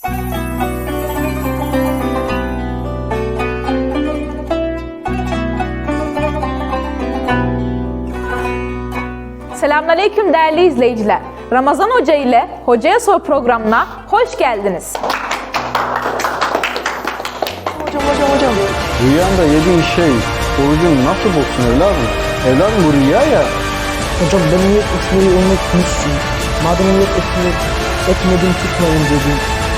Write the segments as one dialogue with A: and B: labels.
A: Selamünaleyküm değerli izleyiciler. Ramazan Hoca ile Hocaya Sor programına hoş geldiniz.
B: Hocam.
C: Rüyanda yediğin şey orucun nasıl bozsun evladım? Evladım bu rüya ya.
B: Hocam ben niyet etmeyi unutmuşsun. Madem niyet etmedim tutmayın dedim.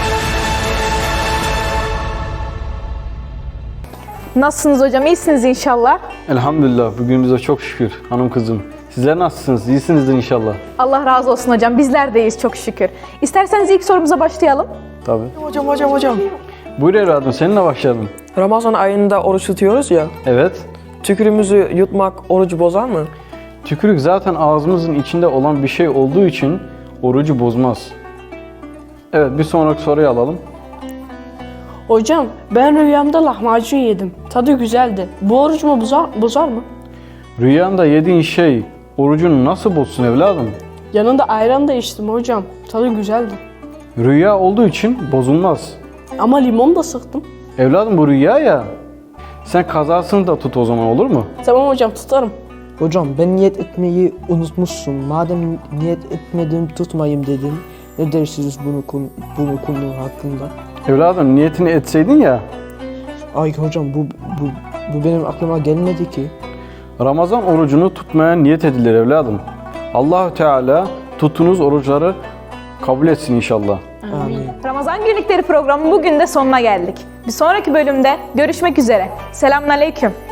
A: Nasılsınız hocam? İyisiniz inşallah.
C: Elhamdülillah bugün bize çok şükür hanım kızım. Sizler nasılsınız? İyisinizdir inşallah.
A: Allah razı olsun hocam. Bizler de iyiyiz çok şükür. İsterseniz ilk sorumuza başlayalım.
C: Tabii.
B: Hocam.
C: Buyur evladım seninle başlayalım.
B: Ramazan ayında oruç tutuyoruz ya.
C: Evet.
B: Tükürüğümüzü yutmak orucu bozar mı?
C: Tükürük zaten ağzımızın içinde olan bir şey olduğu için orucu bozmaz. Evet bir sonraki soruyu alalım.
D: Hocam ben rüyamda lahmacun yedim. Tadı güzeldi. Bu orucumu bozar mı?
C: Rüyanda yediğin şey orucunu nasıl bozsun evladım?
D: Yanında ayran da içtim hocam. Tadı güzeldi.
C: Rüya olduğu için bozulmaz.
D: Ama limon da sıktım.
C: Evladım bu rüya ya. Sen kazasını da tut o zaman olur mu?
D: Tamam hocam tutarım.
B: Hocam ben niyet etmeyi unutmuşsun. Madem niyet etmedim tutmayayım dedin. Ne dersiniz bunu konu hakkında?
C: Evladım niyetini etseydin ya.
B: Ay hocam bu benim aklıma gelmedi ki.
C: Ramazan orucunu tutmaya niyet edilir evladım. Allahü Teala tuttuğunuz oruçları kabul etsin inşallah.
B: Amin.
A: Ramazan Günlükleri programı bugün de sonuna geldik. Bir sonraki bölümde görüşmek üzere. Selamünaleyküm.